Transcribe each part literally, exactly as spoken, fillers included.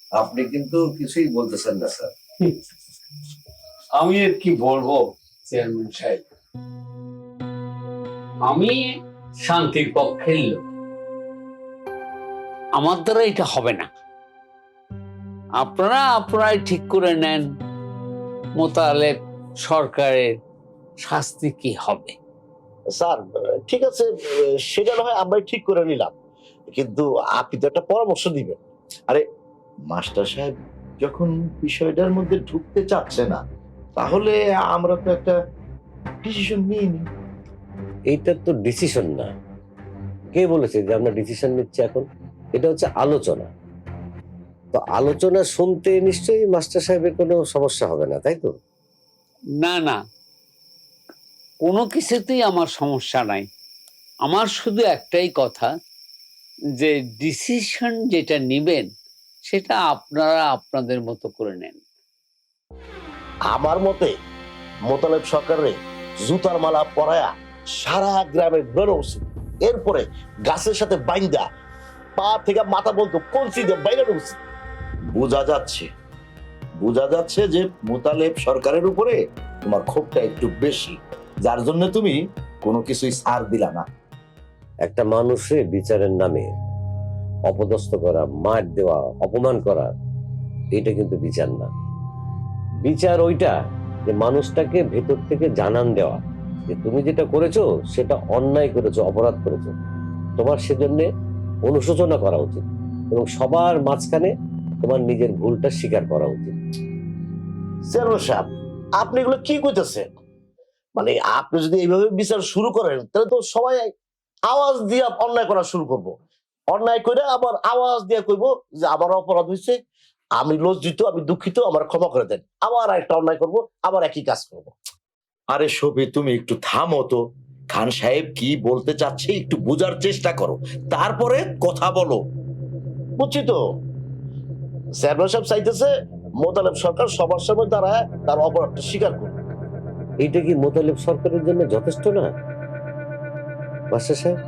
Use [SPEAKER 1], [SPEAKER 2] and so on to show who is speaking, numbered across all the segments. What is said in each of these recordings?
[SPEAKER 1] আপনি কিন্তু কিছুই বলতেছেন না স্যার।
[SPEAKER 2] আমি আর কি বলবো চেয়ারম্যান সাহেব, আমি শান্তির পক্ষের লোক, আমার দ্বারা এটা হবে না। আপনারা আপনারাই ঠিক করে নেন মোতালেব সরকারের শাস্তি কি হবে।
[SPEAKER 3] স্যার ঠিক আছে, সেটা না হয় আমরাই ঠিক করে নিলাম, কিন্তু আপনি তো একটা পরামর্শ দিবেন। আরে মাস্টার সাহেব যখন বিষয়টার মধ্যে ঢুকতে চাচ্ছে না, তাহলে আমরা তো একটা ডিসিশন নিয়ে নিই।
[SPEAKER 4] এইটা তো ডিসিশন না। কে বলেছে যে আমরা ডিসিশন নিচ্ছি এখন? এটা হচ্ছে আলোচনা। তো আলোচনা শুনতে নিশ্চয়ই মাস্টার সাহেবের কোনো সমস্যা হবে না, তাই তো?
[SPEAKER 2] না না, কোনো কিছুতেই আমার সমস্যা নাই। আমার শুধু একটাই কথা, যে ডিসিশন যেটা নিবেন সেটা আপনারা আপনাদের মতো করে নেন।
[SPEAKER 3] আমার মতে মোতালেব সরকারের জুতার মালা পরায়া সারা গ্রামে ঘুরানো উচিত। এরপরে গাছের সাথে বাইন্দা পা থেকে মাথা বলতো কলসি দিয়ে বাইরানো উচিত। বোঝা যাচ্ছে বোঝা যাচ্ছে যে মোতালেব সরকারের উপরে তোমার ক্ষোভটা একটু বেশি, যার জন্য তুমি কোনো কিছুই ছাড় দিলা না।
[SPEAKER 4] একটা মানুষের বিচারের নামে অপদস্থ করা, মার দেওয়া, অপমান করা, এটা কিন্তু বিচার না। বিচার ওইটা যে মানুষটাকে ভেতর থেকে জানান দেওয়া যে তুমি যেটা করেছো সেটা অন্যায় করেছো, অপরাধ করেছো, তোমার সেজন্য অনুশোচনা করা উচিত এবং সবার মাঝখানে তোমার নিজের ভুলটা স্বীকার করা উচিত।
[SPEAKER 3] চেয়ারম্যান সাহেব, আপনি এগুলো কি কইতেছেন? মানে আপনি যদি এইভাবে বিচার শুরু করেন, তাহলে তো সবাই আওয়াজ দিয়ে অন্যায় করা শুরু করব। অন্যায় করে আবার আওয়াজ দিয়ে কইব যে আমার অপরাধ হয়েছে, আমি লজ্জিত, আমি দুঃখিত, আমার ক্ষমা করে দেন। আবার একটা অন্যায় করব, আবার একই কাজ করব।
[SPEAKER 5] আরে শফি, তুমি একটু থামো তো। খান সাহেব কি বলতে চাচ্ছে একটু বোঝার চেষ্টা করো, তারপরে কথা বলো।
[SPEAKER 3] বুঝছি তো, চেয়ারম্যান সাহেব চাইতেছে মোতালেব সরকার সবার সামনে দাঁড়ায় তার অপরাধটা স্বীকার করবে।
[SPEAKER 4] এইটা কি মোতালেব সরকারের জন্য যথেষ্ট না মাস্টার সাহেব?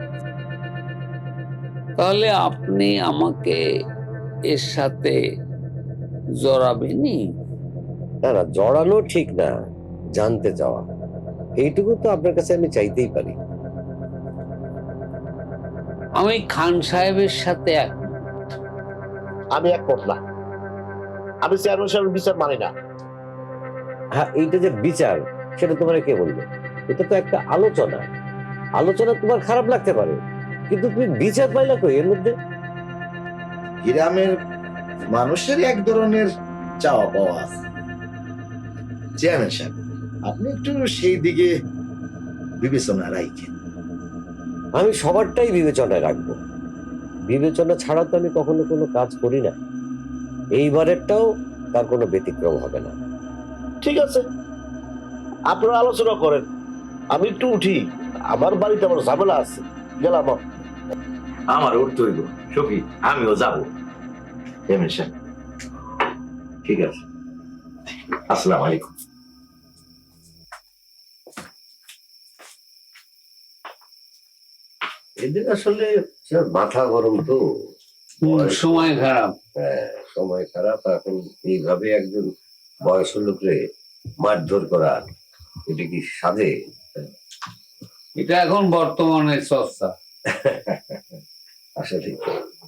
[SPEAKER 2] তাহলে আপনি আমাকে এর সাথে জড়াবেনই?
[SPEAKER 4] না না, জড়ানো ঠিক না, জানতে চাওয়া, এইটুকু তো আপনার কাছে আমি চাইতেই পারি।
[SPEAKER 2] আমি খান সাহেবের সাথে এক
[SPEAKER 3] আমি একমত না, আমি চেয়ারম্যান সাহেবের বিচার মানি না।
[SPEAKER 4] হ্যাঁ, এইটা যে বিচার সেটা তোমার কে বলবে? এটা তো একটা আলোচনা। আলোচনা তোমার খারাপ লাগতে পারে, কিন্তু তুমি বিচার পাইলা কই এর মধ্যে?
[SPEAKER 5] গ্রামের মানুষের এক ধরনের চাওয়া পাওয়া আছে। চেয়ারম্যান সাহেব, আপনি একটু সেই দিকে বিবেচনা রাখেন।
[SPEAKER 4] আমি সবারটাই বিবেচনায় রাখবো। বিবেচনা ছাড়া তো আমি কখনো কোনো কাজ করি না। এইবারেরটাও তার কোনো ব্যতিক্রম হবে না।
[SPEAKER 3] ঠিক আছে, আপনারা আলোচনা করেন, আমি একটু উঠি, আমার বাড়িতে আমার ঝামেলা আছে, গেলাম।
[SPEAKER 5] আমার উঠতে হইব শফি, আমিও যাবো। চেয়ারম্যান সাহেব, ঠিক আছে, আসসালামু আলাইকুম।
[SPEAKER 4] এদের আসলে মাথা গরম তো,
[SPEAKER 2] সময় খারাপ।
[SPEAKER 4] হ্যাঁ, সময় খারাপ। এখন এইভাবে একজন বয়স্ক লোকরে মারধর করা, এটা কি সাধে?
[SPEAKER 2] এটা এখন বর্তমানে চর্চা।
[SPEAKER 4] আসলে ঠিক।